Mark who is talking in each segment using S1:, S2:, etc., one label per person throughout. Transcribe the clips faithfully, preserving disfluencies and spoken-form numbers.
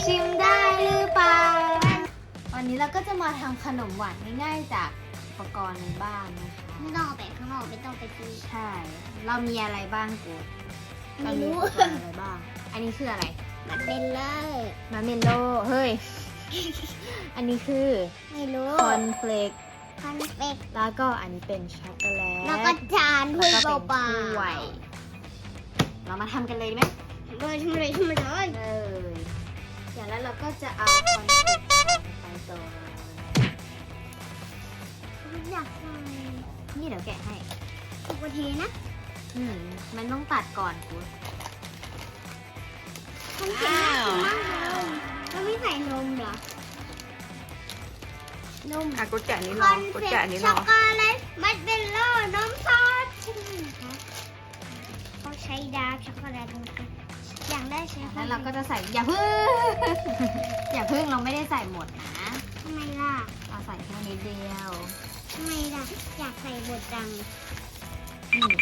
S1: ชิมได้หรือเปล่าวันนี้เราก็จะมาทำขนมหวานง่ายๆจากอุปกรณ์ในบ้านนะคะ
S2: ไม่ต้องเอาไปข้างนอกไม่ต้องไปซื้อ
S1: ใช่ เรามีอะไรบ้างกู
S2: ไม่รู้
S1: เรามีอุปกรณ์อะไรบ้าง อันนี้คืออะไร
S2: มันเป็นเลย
S1: มาเมนโลเฮ้ย อันนี้คือ
S2: ไม่รู้
S1: คอนเฟลก
S2: คอนเฟก
S1: แล้วก็อันนี้เป็นช็อกโกแลต
S2: แล้วก็จานถ้วย
S1: แล้วก็
S2: เป
S1: เป็น
S2: ล่า
S1: ถ้วยเรามาทำกันเลยไหม
S2: ๆเลยทำเลยทำเลย
S1: เลยอย่างแล้วเราก็จะเอาคอนเฟลกไปตัว
S2: อยากใส่
S1: นี่เดี๋ยวแกะให้
S2: ปกตินะ
S1: อืมมันต้องตัดก่อนกู
S2: คอนเฟกน่ากินมากเลยแล้วไม่ใส่นมเหรอ นม
S3: อ่ะกูแกะนี้
S2: ค
S3: รอ
S2: อน
S3: กู
S2: เฟก
S3: แกะนี้ร
S2: ช็อ
S3: อก
S2: โกแลตมัดเบลโล่นมซอสใช่ไหมคะเขาใช้ดาร์กช็อกโกแลตนะคะอย่างได้ใช้
S1: แล้วเราก็จะใส่อย่าพึ่ง อย่าพึ่งเราไม่ได้ใส่หมดนะ
S2: ทำไมล่ะ
S1: เราใส่แค่นิดเดียว
S2: ทำไมล่ะอยากใส่บดจัง
S1: อืม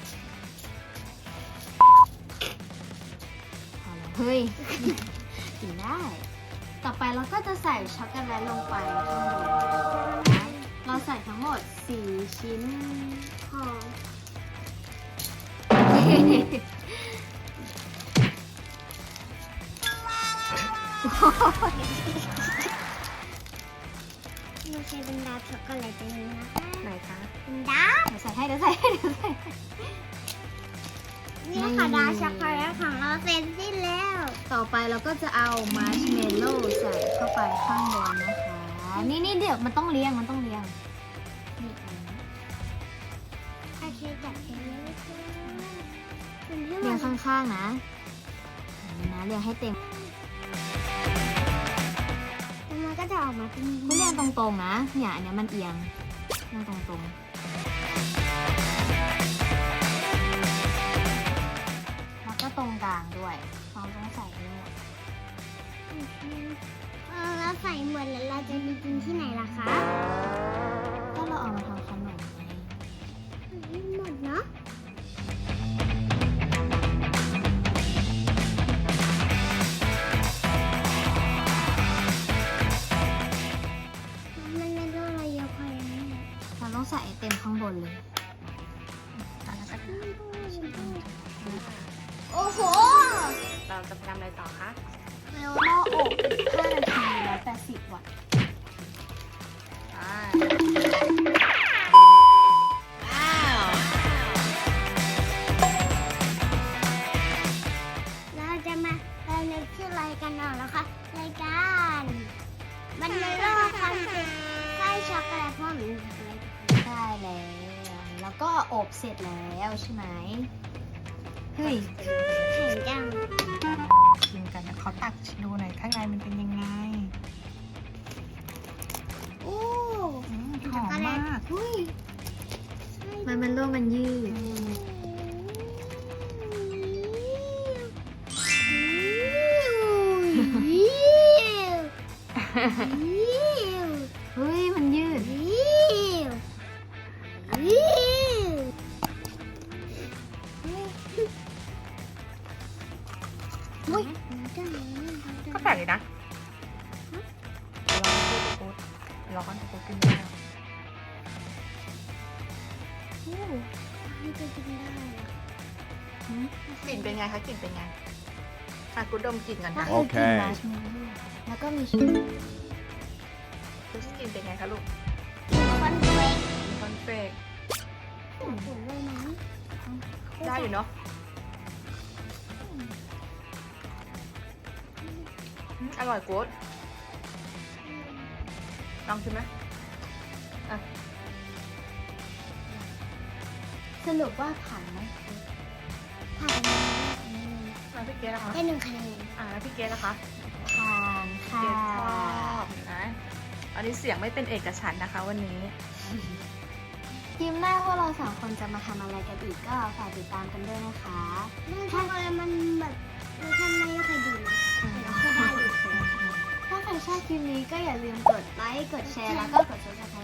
S1: พอแล้วเฮ้ย กินได้ ต่อไปเราก็จะใส่ช็อกโกแลตลงไปข้างบนนะเราใส่ทั้งหมดสี่ชิ้น
S2: หอมไม่ใช่เป็นดาร์กช็อกโกแลตตัวนี้นะคะ
S3: ไหนคะ
S2: เป็นดาร์ก
S1: เดี๋ยวใส่ให้เดี๋ยวใส่ให้เดี๋ยวใส่ให้
S2: นี่ค่ะดาร์กช็อกโกแลตของเราเสร็จสิ้นแล้ว
S1: ต่อไปเราก็จะเอามาร์ชเมลโล่ใส่เข้าไปข้างบนนะคะ นี่นี่เดี๋ยวมันต้องเรียงมันต้องเรียงนี่อันนี้
S2: โอเคจัดเองเลยค่ะเป็นที่
S1: เรียง
S2: มัน
S1: ข้างๆนะนี่นะเรียงให้เต็ม
S2: มันก็จะออกมาเป็น
S1: ไม่เรียงตรงๆนะเนี่ยอันเนี้ยมันเอียงเรียงตรงๆแล้วก็ตรงกลางด้วยเราต้องใส่ให้หมด
S2: เออแล้วใส่หมดแล้วเราจะไปกินที่ไหนล่ะคะ
S1: ก็เราเอามาทำขนมไง
S2: หมดเนาะมันเป็นโรคอะไรเยอะพอยังไง
S1: เราต้องใส่ให้เต็มข้างบนเลย
S3: อ่ะแล้วก็
S2: โอ้โห
S3: เราจะไปทำอะไรต่อคะ
S1: เร็วหม้ออบห้านาทีร้อยแปดสิบวัตต์
S3: อ่า
S2: เราจะมาเราเรียนชื่อรายการเราแล้วค่ะรายการมันเป็นโรคคอนเฟกไส้ช็อกโกแลตพ่อหนูอะไร
S1: ได้แล้วแล้วก็อบเสร็จแล้วใช่ไหมเฮ้ย
S2: แข็งจัง
S3: กินกันนะเขาตักดูหน่อยข้างในมันเป็นยังไง
S2: โอ้
S3: อืมหอมมาก
S2: อุ้ย
S1: มันมันโลมันยืด เฮ้ย มันยืด
S2: อุ้ย
S3: ก็แปลกเลยนะลองดูกูดร้อนกูกินไม่ได้
S2: จะกินได้เหรอก
S3: ลิ่นเป็นไงคะกลิ่นเป็นไงอ่ะกูดมกลิ่นกัน
S1: ถ้า
S3: นะ
S1: เคยกินมาร์ชเมลโล่แล้วก็มีชิ้น
S3: ดูสกลิ่นเป็นไงคะลูก
S2: คอนเฟก
S3: คอนเฟก
S2: ผลเลยนะ
S3: ได้อยู่เนาะอืมอร่อยกูดลองชิมไหมอ่ะ
S1: สรุปว่าผ่านไหม
S2: ผ่าน
S3: แล้วพี่เกดนะคะ
S2: ได้หนึ่งคะแนน
S3: อ่าแล้วพี่เกดนะคะ
S1: ผ่านค่ะ
S3: เกดชอบนะอันนี้เสียงไม่เป็นเอกฉันท์นะคะวันนี้
S1: ทีมหน้าพวกเราสองคนจะมาทำอะไรกันอีกก็ฝากติดตามกันด้วยนะคะ
S2: มันทำอะไรมันแบบมันทำไม่ค่อยดีนะแต่ก็ได้อยู่
S1: ถ้าใครชอบคลิปนี้ก็อย่าลืมกดไลค์ กดแชร์ แล้วก็กด ซับสไครบ์